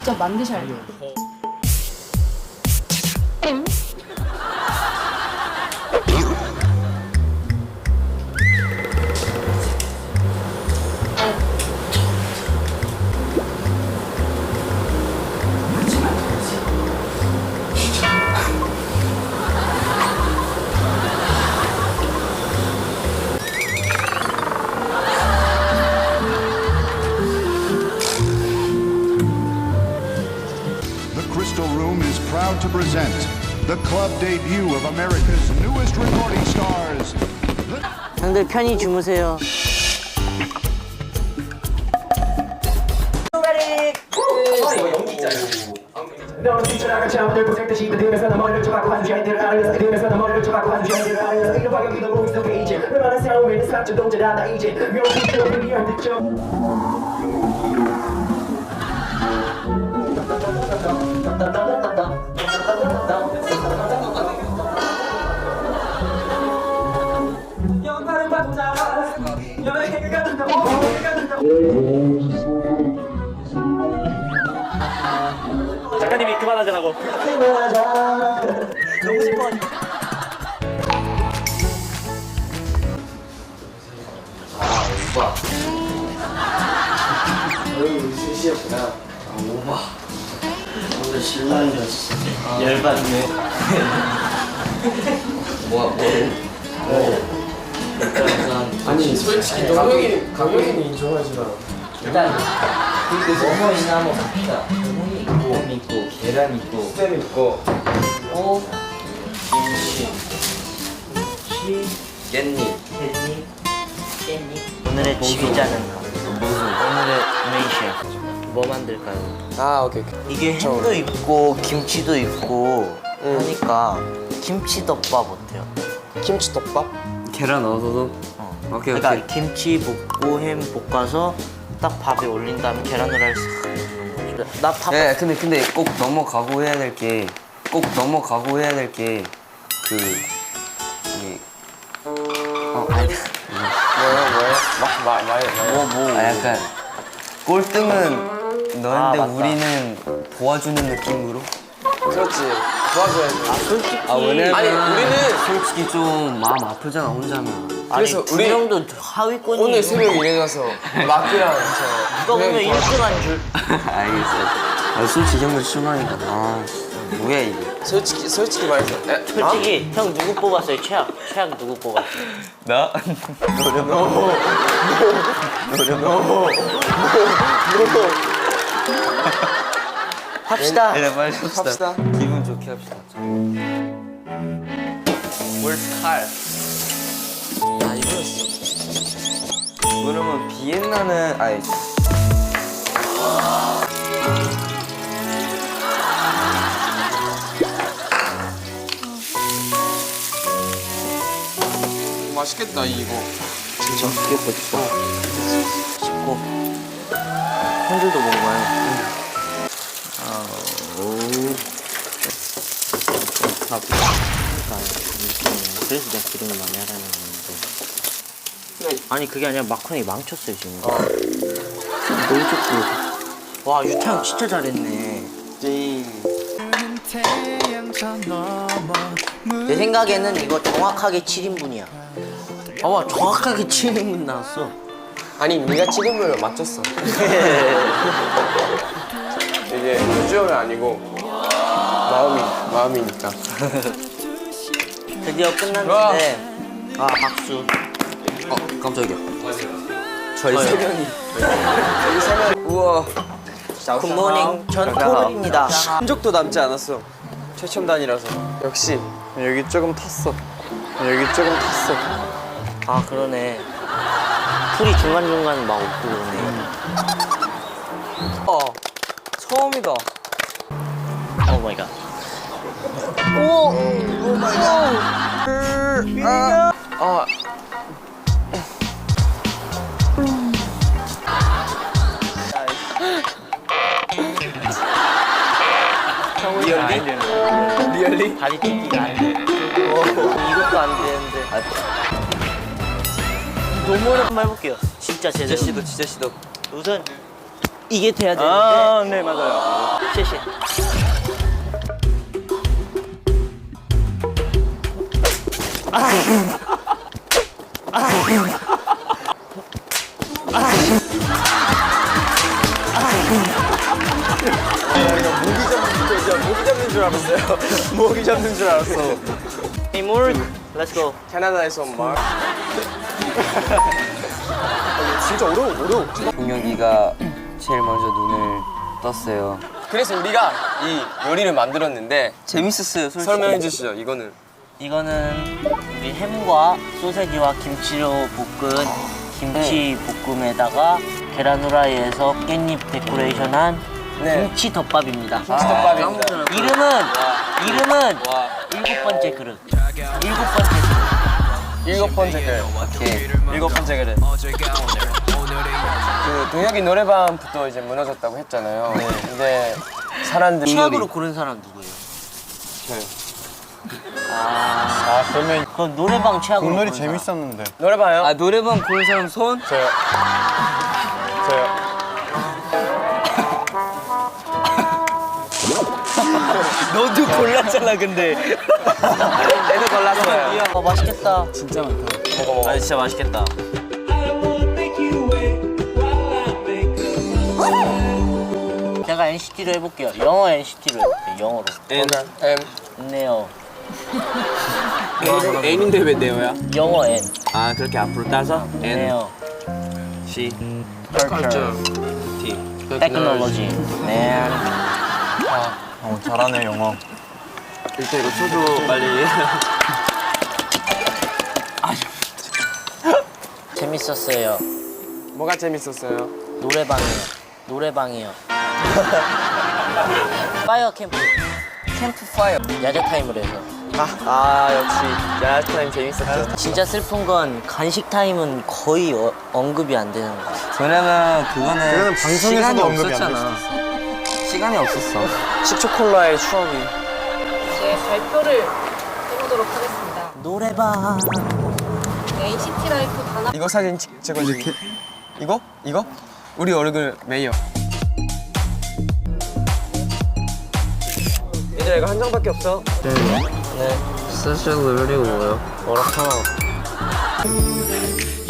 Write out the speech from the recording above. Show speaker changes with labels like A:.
A: 직접 만드셔야 돼요.
B: To present the club debut of America's newest recording stars.
C: 형들 편히 주무세요.
D: 너는 뛰쳐나간 잠들 고생듯이 그들에서 나 머리를 쳐박고 한 주제들을 알아서 그들에서 나 머리를 쳐박고 한 주제들을 알아서 이런 방향이 너무 익숙해 이제 웬만한 싸움에는 사점 동전하다 이제 명품적인 미안 듣죠 영화를 봐보자 여행을 가든가 여행을 가든가 작가님이 그만하자라고. 너무 싶어가지고.
E: 오빠. 어휴, 셋이었구나. 오빠. 오늘 신랑이었어. 열받네. 뭐야? 아니, 솔직히 강영이는 인정하지마. 일단 뭐뭐이나 한번 갑시다. 햄 있고 계란 있고 쌤 있고 김치 깻잎
C: 오늘의 지휘자는 오늘의 메인 셰프 뭐 만들까요?
E: 아 오케이
C: 이게 햄도 있고 김치도 있고 하니까 김치덮밥 어때요?
E: 김치덮밥? 계란 넣어서도? 오케이
C: 그러니까
E: 오케이
C: 김치 볶고 햄 볶아서 딱 밥에 올린 다음에 계란후라이 싹 넣는 거지. 나 밥.
E: 네, 근데 꼭 넘어가고 해야 될 게 그 이게 아니 뭐요? 아 약간 꼴등은 너인데
C: 맞다.
E: 우리는 도와주는 느낌으로.
F: 그렇지. 도와줘야지.
C: 솔직히
E: 왜냐면
F: 아니, 우리는
E: 솔직히 좀 마음 아프잖아 혼자면.
C: 그래서 두 명도 하위권이
F: 오늘 새벽 일어나서 마크랑
C: 누가 보면 1등한 줄.
E: 알겠어. 솔직히 형들 실망이다. 뭐야 이게?
F: 솔직히 말해서
C: 솔직히 형 누구 뽑았어요? 최악 누구 뽑았어요?
E: 나?
C: 합시다.
E: 네, 빨리 합시다. 기분 좋게 합시다.
F: 월칼.
E: 아 이거였어. 그러면 비엔나는 아니.
F: 맛있겠다 이거.
E: 진짜 맛있겠다.
C: 씹고 형들도 먹어봐요. 그래서 내가 기름을 많이 하라는 건데. 아니 그게 아니라 마카롱이 망쳤어요 지금. 너무 좋고. 와 유타 형 진짜 잘했네. 내 생각에는 이거 정확하게 7인분이야. 와 정확하게 7인분 나왔어.
F: 아니 네가 7인분을 맞췄어. 이게 비주얼이 아니고 마음이니까.
C: 드디어 끝났는데 아 박수.
E: 깜짝이야.
C: 저희
E: 세 명이.
F: 여기 세 명. 우와.
C: 굿모닝 전 토르입니다.
F: 흔적도 남지 않았어. 최첨단이라서. 역시 여기 조금 탔어.
C: 아 그러네. 풀이 중간중간 막 없고 그러네.
F: 처음이다.
C: 오 마이 갓.
F: 아. 리얼리?
C: 다리 찢기가 안 돼. 이것도 안 되는데. 너무 오랜만에 해볼게요. 진짜 제대로.
E: 진짜 시도.
C: 우선 이게 돼야 되는데.
F: 아, 네, 맞아요.
C: 谢谢.
F: 모기 잡는 줄 알았어요. 모기 잡는 줄 알았어.
C: Hey, Morg, let's go.
F: 캐나다에서 온 말. 진짜 어려워.
E: 동혁이가 제일 먼저 눈을 떴어요.
F: 그래서 우리가 이 요리를 만들었는데
E: 재밌었어요, 솔직히.
F: 설명해 주시죠. 이거는
C: 이거는 우리 햄과 소세지와 김치로 볶은 김치 볶음에다가 계란 후라이에서 깻잎 데코레이션한
F: 네.
C: 김치 덮밥입니다.
F: 김치덮밥입니다.
C: 이름은 일곱 번째 그릇.
F: 일곱 번째 그릇.
E: 오케이.
F: 일곱 번째 그릇. 그 동혁이 노래방부터 이제 무너졌다고 했잖아요. 근데 사람들이
C: 최악으로 고른 사람 누구예요?
F: 저요.
A: 그러면
C: 그럼 노래방 최악으로
A: 국놀이
C: 고른 사람.
A: 재밌었는데.
F: 노래방요?
E: 아, 노래방 고른 사람 손?
F: 저요.
C: 너도 골랐잖아 근데.
F: 애도 골랐어요.
C: 맛있겠다.
E: 진짜 많다.
F: 먹어.
C: 아 진짜 맛있겠다. 제가 NCT로 해볼게요. 영어 NCT로 해볼게요. 영어로. 네요.
F: N인데 왜 네오야?
C: 영어 N.
F: 아 그렇게 앞으로 따서
C: 네요.
F: C.
C: Culture.
F: T.
C: Technology. 네.
A: 잘하네 영어.
F: 일단 이거 쳐줘 빨리.
C: 재밌었어요.
F: 뭐가 재밌었어요?
C: 노래방이요. 파이어 캠프.
E: 캠프파이어.
C: 야자 타임을 해서.
F: 역시 야스 타임 재밌었죠.
C: 진짜 슬픈 건 간식 타임은 거의 언급이 안 되는 거 같아요.
E: 왜냐면 그거는
A: 방송에서도
E: 시간이
A: 언급이 안
E: 없었잖아. 시간이 없었어.
F: 식초콜라의 추억이.
G: 이제 발표를 해보도록 하겠습니다.
C: 노래방.
G: NCT 라이프 단합
F: 이거 사진 찍어주기. 이거? 우리 얼굴 메이어. 얘들아 이거 한 장밖에 없어.
E: 스페셜 리뷰가 뭐예요?
C: 뭐라 하나.